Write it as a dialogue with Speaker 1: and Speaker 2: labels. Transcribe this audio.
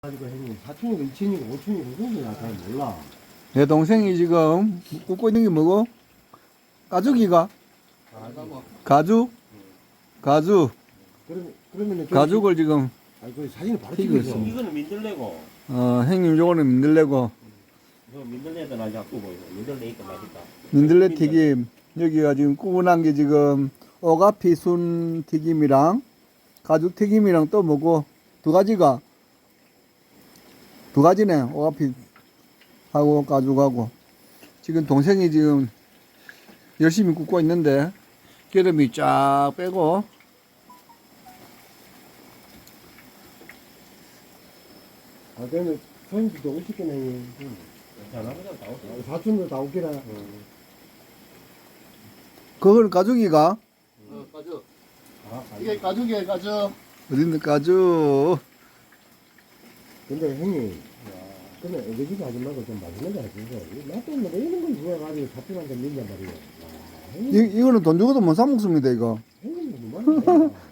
Speaker 1: 가지고 형님 4층이고 2층이고 5층이고 그건 나잘 몰라.
Speaker 2: 내 동생이 지금 굽고 있는 게 뭐고? 가죽이가? 가죽? 가죽.
Speaker 1: 그러면은
Speaker 2: 가죽을 지금,
Speaker 1: 아니 그 사진을 바로
Speaker 2: 튀기고
Speaker 1: 찍어서.
Speaker 2: 있습니다.
Speaker 3: 이거는 민들레고,
Speaker 2: 형님 요거는 민들레고,
Speaker 3: 이거 민들레도 나 자꾸 보이고, 민들레니까 맛있다.
Speaker 2: 민들레 튀김. 여기가 지금 구분한 게 지금 오가피 순 튀김이랑 가죽 튀김이랑 또 뭐고, 두 가지네. 오가피 하고 가죽하고. 지금 동생이 지금 열심히 굽고 있는데, 기름이 쫙 빼고,
Speaker 1: 아 그러면 손님들도 오시겠네.
Speaker 3: 전화보다 다 오지.
Speaker 1: 사촌도 다 오기라.
Speaker 2: 그거는 가죽이가?
Speaker 4: 가죽.
Speaker 1: 아,
Speaker 4: 이게 가죽이에요, 가죽.
Speaker 2: 어딨는 가죽?
Speaker 1: 근데 형님, 근데 애기지도 하지 말고 좀 마지막에 하시죠. 나도 뭐 이런 걸 누가 가지고 사촌한테 민단 말이야. 와, 형님,
Speaker 2: 이거는 돈 주고도 못 사 먹습니다, 이거.
Speaker 1: 형님 뭐 말이야.